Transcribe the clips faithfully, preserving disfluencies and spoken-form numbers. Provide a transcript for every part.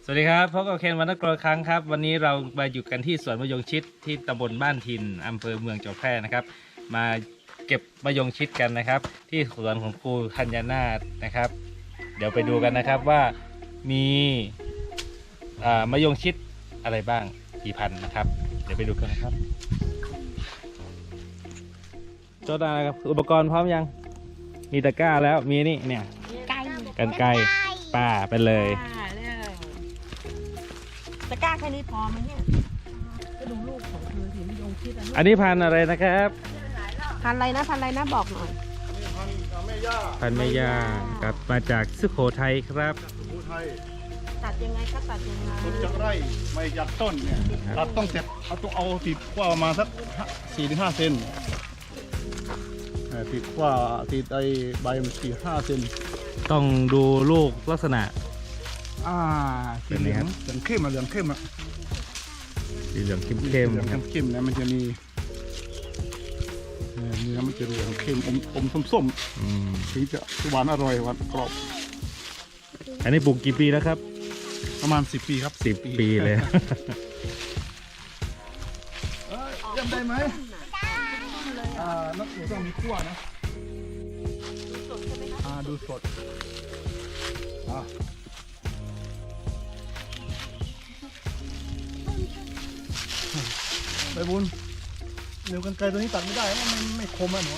สวัสดีครับพบกับเคนวันนักกรครั้งครับวันนี้เรามาอยู่กันที่สวนมะยงชิดที่ตำบลบ้านทินอำเภอเมืองจังหวัดแพร่นะครับมาเก็บมะยงชิดกันนะครับที่สวนของครูธัญนาถนะครับเดี๋ยวไปดูกันนะครับว่ามีมะยงชิดอะไรบ้างกี่พันนะครับเดี๋ยวไปดูกันนะครับโจดาครับอุปกรณ์พร้อมยังมีตะกร้าแล้วมีนี่เนี่ยกันไกรป่าไปเลยตะกร้าแค่นี้พอไหมเนี่ยก็ดูลูกของเธอสิมะยงชิดอันนี้พันอะไรนะครับพันอะไรนะพันอะไรนะบอกหน่อยพันแม่ย่าพันแม่ย่ากับมาจากสุโขทัยครับสุโขทัยตัดยังไงก็ตัดยังไงต้นจากไร่ไม่ยัดต้นเนี่ยตัดต้องเสร็จเอาต้องเอาติดกว่าประมาณสักสี่ถึงห้าเซนติดกว่าติดไอใบมันสี่ห้าเซนต้องดูลูกลักษณะอ่าสีเหลืองเหลืองเข้มอะเหลืองเข้มอะสีเหลืองเข้มเข้มเหลืองเข้มนะมันจะมีเนื้อมันจะเหลืองเข้มอมอมส้มๆถึงจะหวานอร่อยหวานกรอบอันนี้ปลูกกี่ปีแล้วครับประมาณสิบปีครับสิบปีเลยจำได้ไหมอ่านักหนูต้องมีขั้วนะดูสดใช่ไหมครับอ่าดูสดอ่าไปบุญเดี๋ยวกันไกลตัวนี้ตัดไม่ได้เพราะมันไม่คมอ่ะหนู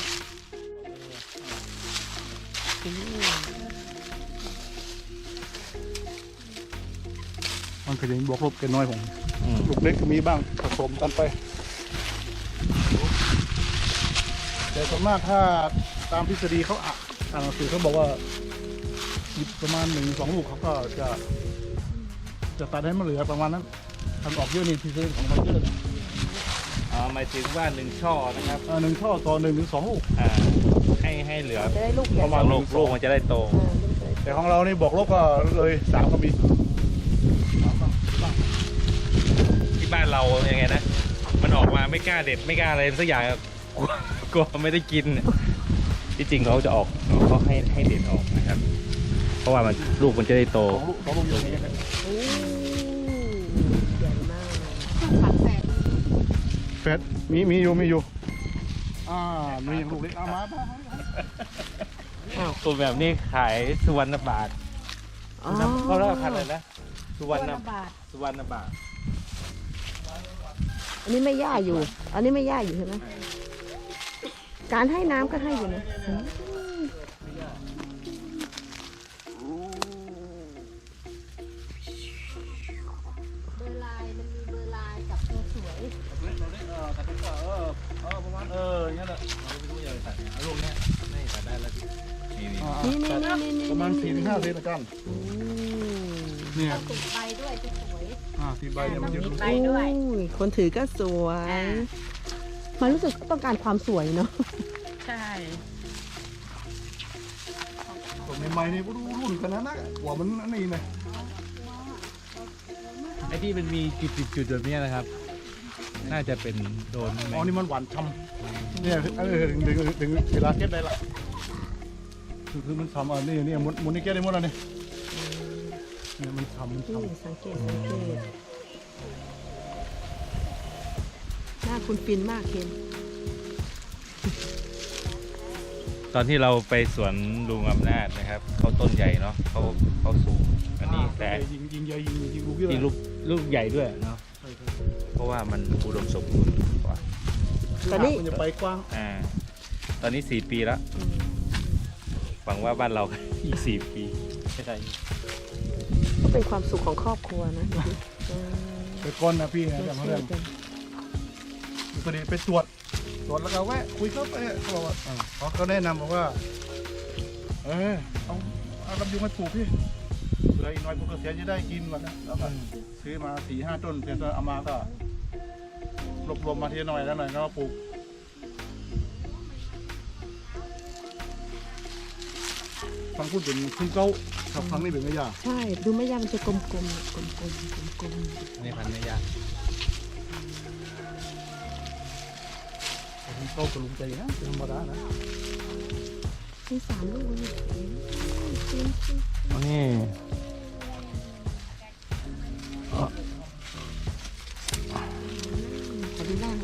มันเคยบวกลบกันน้อยผมลูกเล็กก็มีบ้างผสมกันไปแต่ส่วนมากถ้าตามทฤษฎีเขาอ่านหนังสือเขาบอกว่าประมาณหนึ่งสองลูกเขาก็จะจะตัดให้มันเหลือประมาณนั้นทำออกเยอะนี่ทฤษฎีของมันเยอะอ๋อหมายถึงว่าหนึ่งช่อนะครับหนึ่งช่อต่อหนึ่งถึงสองลูกอ่าให้ให้เหลือจะได้ลูกประมาณลูกลูกมันจะได้โตแต่ของเรานี่บอกลบก็เลยสามก็มีที่บ้านเราอย่างไงนะมันออกมาไม่กล้าเด็ดไม่กล้าอะไรสักอย่างกลัวกลัวไม่ได้กินที่จริงเขาจะออกเขาให้ให้เด็ดออกนะครับเพราะว่ามันลูกมันจะได้โตลูกเขาลูกอย่างนี้กันโอ้ใหญ่มากผัดแฟดแฟดมีมีอยู่มีอยู่อ่ามีลูกเล็กเอามาป่ะตัวแบบนี้ขายสุวรรณบาทเขาเรียกพันอะไรนะสุวรรณบาทสุวรรณบาทอันนี้ไม่ย่าอยู่ อันนี้ไม่ย่าอยู่ใช่ไหมการให้น้ำก็ให้อยู่นะเบอร์ลายมันมีเบอร์ลายกับตัวสวยเออประมาณเอออย่างเงี้ยแหละเราไม่รู้จะตัดเอาลูกเนี้ยไม่ตัดได้แล้วนี่นี่นี่นี่ประมาณสี่ถึงห้าเซนละกันเนี่ยติดใบด้วยจะสวยอ่าติดใบเนี่ยมันจะดูคนถือก็สวยมันรู้สึกต้องการความสวยเนาะใช่ผมใหม่ๆนี่ก็ดูรุ่นกันนะนะหัวมันนี่ไงไอ้ที่มันมีจุดๆแบบนี้นะครับน่าจะเป็นโดนอ๋อนี่มันหวานช่ำเนี่ยเออถึงถึงเวลาเก็บได้ละคือคือมันทำอ่ะนี่นี่มุนมุนนี่เก็บได้หมดแล้วนี่เนี่ยมันทำมันทำสังเกตสังเกตหน้าคุณฟินมากเคนตอนที่เราไปสวนลุงอำนาจนะครับเขาต้นใหญ่เนาะเขาเขาสูงอันนี้แต่ยิงยิงใหญ่ยิงยิงลูกเยอะยิงลูกลูกใหญ่ด้วยเนาะเพราะว่ามันอุดมสมบูรณ์กว่าตอนนี้มันจะไปกว้างอ่าตอนนี้สี่ปีแล้วหวังว่าบ้านเราอีกสี่ปีไม่ได้ก็เป็นความสุขของครอบครัวนะไปก้อนนะพี่นะจำเรื่องพอดีไปตรวจตรวจแล้วก็แวะคุยเขาไปเขาบอกว่าเขาเขาแนะนำบอกว่าเออเอาเอาลำยุงมาปลูกพี่เผื่ออีกน้อยพวกเกษตรจะได้กินวันนะแล้วก็ซื้อมาสี่ห้าต้นเสร็จแล้วเอามาก็รวบรวมมาทีหน่อยแล้วหน่อยก็ปลูกฟังพูดเป็นคุณเก้าครับฟังนี่เป็นไม่ยากใช่ดูไม่ยากมันจะกลมๆกลมๆกลมๆกลมๆนี่พันไม่ยากคุณเก้ากระลุงใจนะธรรมดานะมีสามลูกนี่นี่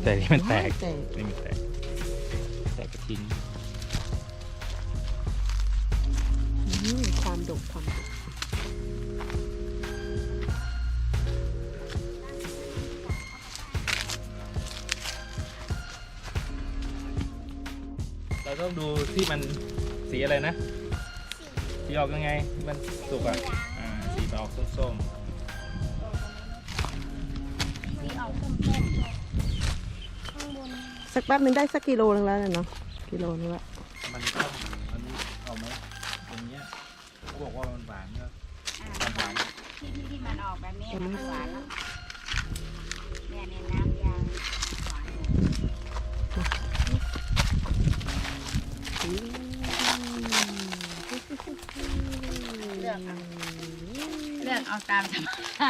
แต่นี่มันแตกแต่นี่มันแตกแตกกระทิ้งอืมความดกความดกเราต้องดูที่มันสีอะไรนะ สีออกยังไงที่มันสุกอ่ะอ่าสีมันออกส้มสีออกส้มๆข้างบนสักแป๊บนึงได้สักกิโลนึงแล้วเนาะกิโลนึงละๆมันต้องอันนี้เอาไหมอย่างเงี้ยเขาบอกว่ามันหวานก็อ่าหวานที่ที่ที่มันออกแบบนี้มันหวานแล้วเนี่ยเนี่ยน้ำยางหวานเลือกเอาเลือกเอาตามสบาย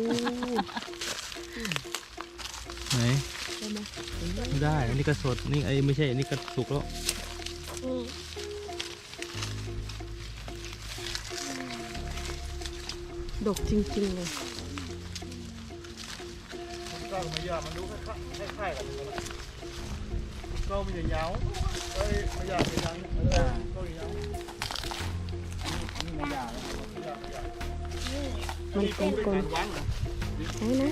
ไหนไม่ได้อันนี้ก็สดนี่ไอ้ไม่ใช่อันนี้ก็สุกแล้วดกจริงๆเลยก็ไม่ยากมันดูคล้ายๆกันก็มีแต่ยาวเอ้ยไม่ยากไม่ยังเออก็ยาวนี่ไม่ยากแล้วไม่ยากไม่ยากมันกลมกลมวางเหรอไหนไหนไหนไหนไหน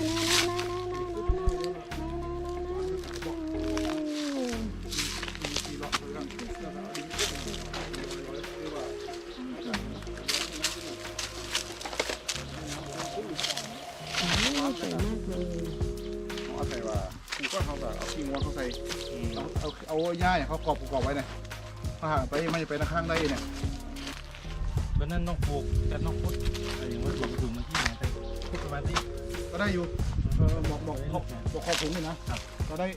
ไหนสี่หลอดเลยครับแล้วก็ดินขึ้นหรือว่าสวยมากเลยเอาใส่ว่ากูก็เขาแบบเอาขี้งัวเขาใส่เอาเอาเอาหญ้าเนี่ยเขากรอบกรอบไว้เนี่ยถ้าหากไปไม่ไปข้างได้เนี่ยเพราะนั้นต้องปลูกกันต้องพุดอะไรอย่างว่าถุงถุงมันที่ไหนไปพุดประมาณที่ก็ได้อยู่เออบอกบอกบอกบอกขอบถุงเลยนะก็ได้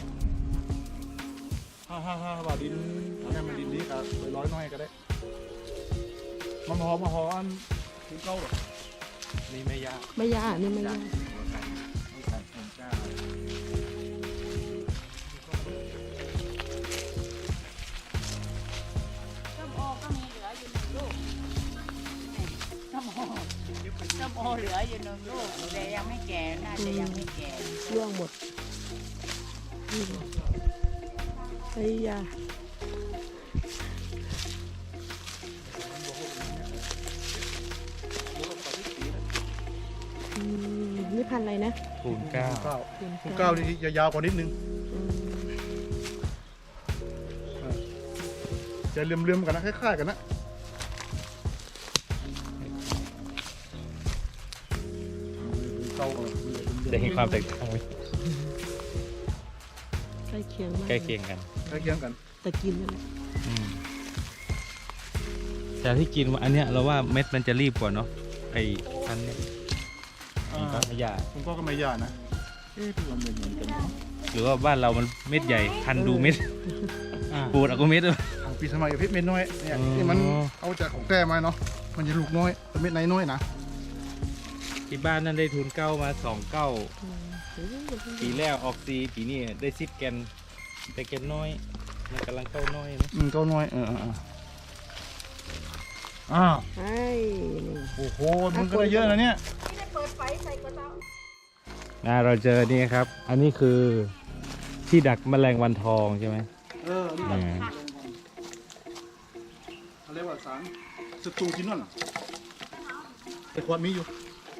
ห้าห้าห้าบาทดินอันนี้มันดินนี้ก็ไปร้อยน้อยก็ได้มาหอมาหออันถึงเก้าหรอนี่ไม่ยากไม่ยากนี่ไม่ยากไม่ใส่ถุงจ้าส้มโอก็มีเหลืออยู่หนึ่งลูกนี่ส้มโอส้มโอเหลืออยู่หนึ่งลูกแต่ยังไม่แก่น่าจะยังไม่แก่ร่วงหมดนี่ไอ้ยาอืมนี่พันธุ์อะไรนะคูณเก้าเก้าเก้านี่จะยาวกว่านิดนึงอืมจะเลื่อมๆกันนะคล้ายๆกันนะ เก้าจะเห็นความแตกต่างไหมใกล้เคียงมากใกล้เคียงกันใกล้เคียงกันแต่กินนั่นแหละอืมแต่ที่กินอันเนี้ยเราว่าเม็ดมันจะรีบกว่าเนาะไอ้พันเนี้ยมันก็ไม่ยากผมก็ก็ไม่ยากนะเอ๊ะพี่ว่าเหมือนเหมือนกันหรือว่าบ้านเรามันเม็ดใหญ่พันดูเม็ดปูดเอาก็เม็ดเลยทางปีสมัยกับเพชรเม็ดน้อยเนี่ยอ๋อที่มันเอาจากของแต้มาเนาะมันจะลูกน้อยแต่เม็ดไหนน้อยนะที่บ้านนั่นได้ทุนเก้ามาสองเก้าอืมโอ้โหปีแรกออกซีปีนี้ได้ซิดแกนแต่แกนน้อยมันกำลังเข้าน้อยนะอืมเก้าน้อยเออเออเอออ้าวไอ้นี่โอ้โหมันก็ได้เยอะนะเนี่ยอ่าเราเจอนี่ครับ อันนี้คือที่ดักแมลงวันทองใช่ไหมเออนี่อ่าเขาเรียกว่าสารสตูจินนอนแต่ขวดมีอยู่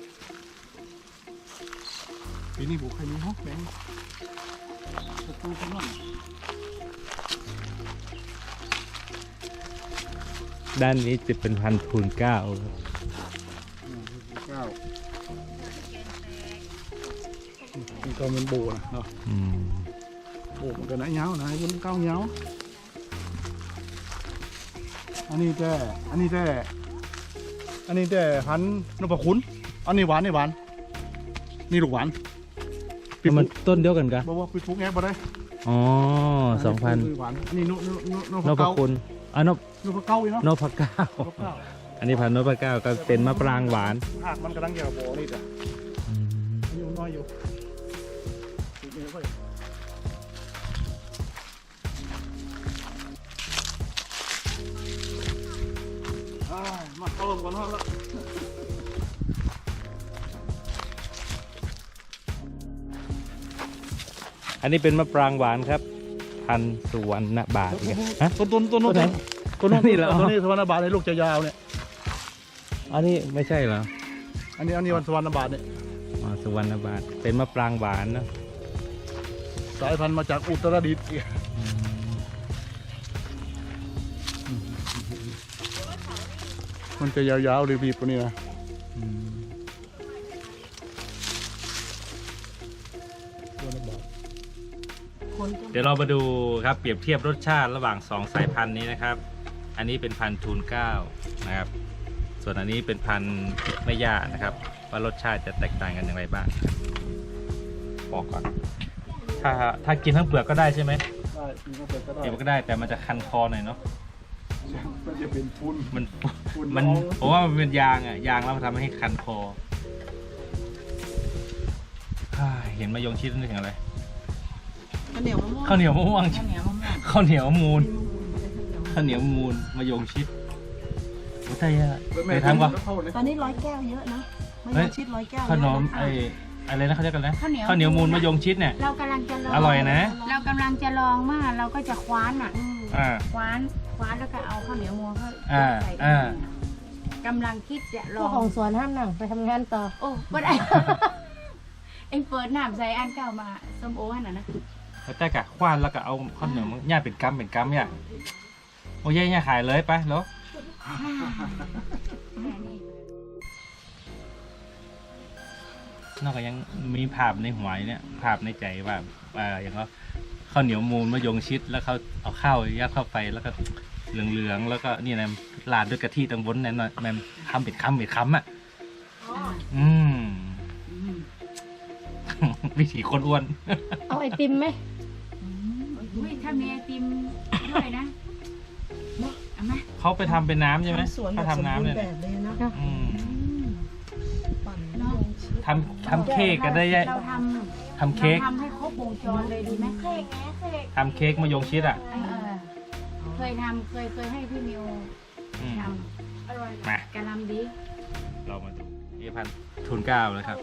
ปีนี้บุกใครมีฮอกแบงสตูจินนอนด้านนี้จะเป็นพันทุนเก้าครับเก้านี่ก็เป็นโบนะเนาะอืมโบมันก็นะเงานะเป็นเก้าเงาอันนี้แต่อันนี้แต่อันนี้แต่พันธุ์นพคุณอันนี้หวานนี่หวานนี่ลูกหวานแต่มันต้นเดียวกันกะบอกว่าปิดฟุกแงบบ่ได้อ๋อสองพันหวานอันนี้นนนนนพพเก้าคุณอ่ะนพนพเก้าอีเนาะนพเก้านพเก้าอันนี้พันนพเก้าก็เป็นมะปรางหวานหากมันกำลังเกี่ยวกับโบนี่จ้ะอืมอายุน้อยอยู่ติดเนื้อไว้อ้ายมาเข้าลมก่อนเถอะละอันนี้เป็นมะปรางหวานครับ พันธุ์สุวรรณบาทอีกอะฮะต้นต้นต้นนู้นต้นไหนต้นนู้นนี่เหรอต้นนี้สวรรณบาทในลูกจะยาวเนี่ยอันนี้ไม่ใช่เหรออันนี้อันนี้วันสวรรณบาทเนี่ยอ๋อสุวรรณบาทเป็นมะปรางหวานนะสายพันธุ์มาจากอุตรดิตถ์อืมมันจะยาวๆรีบๆกว่านี้นะอืมสวรรณบาทคนก็เดี๋ยวเรามาดูครับเปรียบเทียบรสชาติระหว่างสองสายพันธุ์นี้นะครับ อันนี้เป็นพันธุ์ทูนเกล้านะครับ ส่วนอันนี้เป็นพันธุ์แม่ย่านะครับ ว่ารสชาติจะแตกต่างกันอย่างไรบ้างบอกก่อน ถ้าถ้ากินทั้งเปลือกก็ได้ใช่ไหมได้กินก็เสร็จก็ได้เดี๋ยวก็ได้แต่มันจะคันคอหน่อยเนาะมันจะเป็นทุนมันทุนมันน้องผมว่ามันเป็นยางอ่ะยางแล้วมันทำให้คันคอฮ่าเห็นมายงชิดนึกถึงอะไรข้าวเหนียวมะม่วงข้าวเหนียวมะม่วงข้าวเหนียวมะม่วงข้าวเหนียวมูลข้าวเหนียวมูลมายงชิดโอ้ใช่อะเคยทำปะตอนนี้ร้อยแก้วเยอะนะมะเฮ้ยยงชิดร้อยแก้วขนมเยอะะไอ้อะไรนะเขาเรียกกันนะข้าวเหนียวข้าวเหนียวมูลมายงชิดเนี่ยเรากำลังจะลองอร่อยนะเรากำลังจะลองว่าเราก็จะคว้านอ่ะอืมอ่าคว้านคว้านแล้วก็เอาข้าวเหนียวมัวเข้าอ่าใส่อ่ากำลังคิดจะลพวอก งของสวนห้ามหนังไปทำงานต่อโอ้ไม่ได้ เอ็งเปิดน้ำใส่อันเก่ามาส้มโอหั่นน่ะนะแล้วแต่กะคว้านแล้วก็เอาข้าวเหนียวมันย่าเป็นกัมเป็นกัมเนี่ยโอ้ยย่าขายเลยไปแล้ว นอกจากยังมีภาพในหัวอยู่เนี่ยภาพในใจว่าอ่าอย่างเขาข้าวเหนียวมูลมะยงชิดแล้วเขาเอาข้าวยัดเข้าไปแล้วก็เหลืองๆแล้วก็นี่นะราดด้วยกะทิตังบนนั่นน่ะแม่มคำเป็นคำเป็นคำอ่ะอืม วิถีคนอ้วนเอาไอติมไหมอุ้ยถ้ามีไอติมด้วยนะเอาไหมเขาไปทำเป็นน้ำใช่ไหมสวนแบเขาบสมทำน้ำบูรเนี่ยณ์แบบเลยนะอืมปั่นเนาะทำทำเค้กกันได้ยะเราททำำเค้กราทำให้ครบวงจรเลยดีไหมเค้กทำเค้กมะยงชิดอ่ะเออเคยทำเคยเคยให้พี่มิวอืมทำอร่อยมากะหลำดีเรามาดูนี่พันธุ์ทุนเกล้าเลยครับ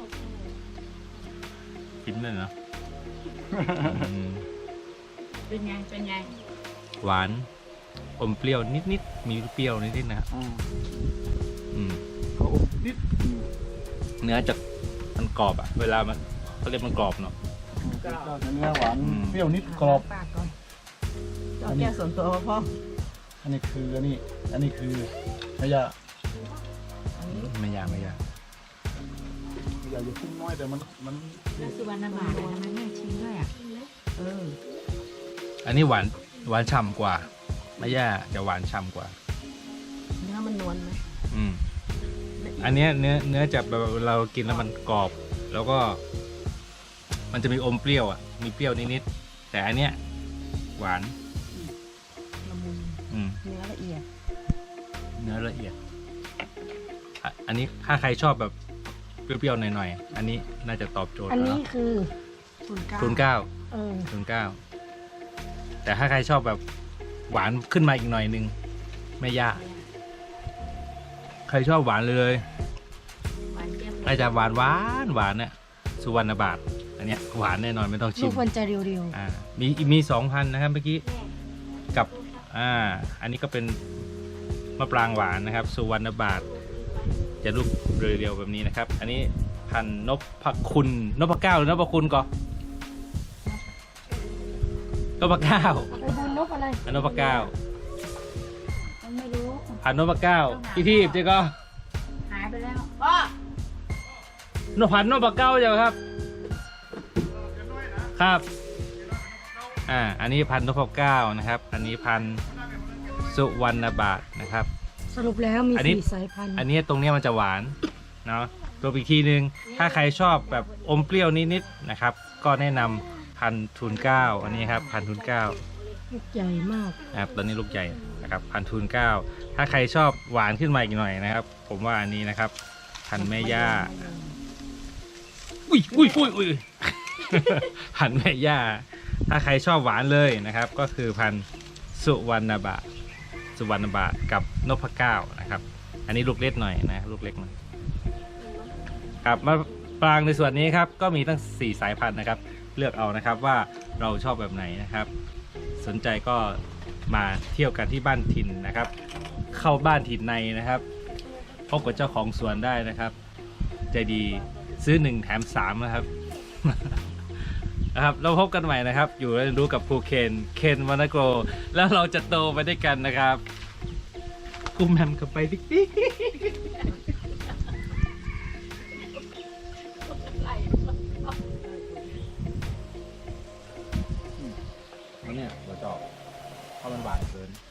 กินเลยเนาะอืมเป็นไงเป็นไงหวานอมเปรี้ยวนิดๆมีเปรี้ยวนิดๆนะครับอ่าอืมเขาอบนิดเนื้อจะมันกรอบอ่ะ เวลามันเขาเรียกมันกรอบเนาะก็จะเนื้อหวานอืมเปรี้ยวนิดกรอบปากก่อนเอาแก้วส่วนตัวมาพ่ออันนี้คืออันนี้ อันนี้คือมะยาไม่ยากไม่ยากมะยาอยู่พุ่งน้อยแต่มันมันแล้วสุวรรณบาททำไมไม่ชิมด้วยอ่ะเอออันนี้หวานหวานฉ่ำกว่าไม่ยากจะหวานฉ่ำกว่าเนื้อมันนวลไหมอืม อันเนี้ยเนื้อเนื้อจะแบบเรากินแล้วมันกรอบ แล้วก็ มันจะมีอมเปรี้ยวอ่ะ มีเปรี้ยวนิดๆแต่อันเนี้ยหวานละมุนอืมเนื้อละเอียดเนื้อละเอียดอ่ะอันนี้ถ้าใครชอบแบบเปรี้ยวๆหน่อยๆอันนี้น่าจะตอบโจทย์อันแล้วนี้เนาะคือศูนย์เก้าทุนเก้าเออทุนเก้าแต่ถ้าใครชอบแบบหวานขึ้นมาอีกหน่อยนึงไม่ยากใครชอบหวานเลยหวานเจี๊ยบน่าจะหวานหวานหวานเนี่ยสุวรรณบาทอันเนี้ยหวานแน่นอนไม่ต้องชิลูมกควรจะเรียวอ่ามีมีสองพันนะครับเมื่อกี้กับอ่าอันนี้ก็เป็นมะปรางหวานนะครับ สุวรรณบาทจะลูกเรียวๆแบบนี้นะครับ อันนี้พันธุ์นพคุณนพเก้าหรือนพคุณก่อนนพเก้าๆไปบุญนกอะไรอันนพเก้ามันไม่รู้พันธุ์นพเก้าพี่ทีบเจ๊ก็หายไปแล้วพ่อนพันธุ์นพเก้าเจ้าครับ ครับ อ่า อันนี้พันธุ์นพเก้านะครับ อันนี้พันธุ์สุวรรณบาทนะครับสรุปแล้วมีอันนี้สี่สายพันธุ์อันนี้ตรงเนี้ยมันจะหวานเนาะตัวอีกทีนึง ถ้าใครชอบแบบอมเปรี้ยวนิดๆนะครับ ก็แนะนำพันธุ์ทุนเก้าอันนี้ครับพันธุ์ทุนเก้าลูกใหญ่มากนะครับตอนนี้ลูกใหญ่นะครับพันธุ์ทุนเก้าถ้าใครชอบหวานขึ้นมาอีกหน่อยนะครับ ผมว่าอันนี้นะครับ พันธุ์แม่ย่า อุ้ยอุ้ยอุ้ยอุ้ย พันธุ์แม่ย่า ถ้าใครชอบหวานเลยนะครับ ก็คือพันธุ์สุวรรณบาทสุวรรณบาทกับนพเก้านะครับ อันนี้ลูกเล็กหน่อยนะลูกเล็กหน่อยครับมาปรางในส่วนนี้ครับก็มีตั้งสี่สายพันธุ์นะครับ เลือกเอานะครับว่าเราชอบแบบไหนนะครับ สนใจก็มาเที่ยวกันที่บ้านถิ่นนะครับ เข้าบ้านถิ่นในนะครับพบกับเจ้าของสวนได้นะครับ ใจดีซื้อหนึ่งแถมสามนะครับ นะครับเราพบกันใหม่นะครับ อยู่เรียนรู้กับครูเคนเคนวานาโกแล้วเราจะโตไปด้วยกันนะครับคุมแฮมกับไปดิ๊กดิ๊กเนี่ยเราจะเพราะมันหวานเกิน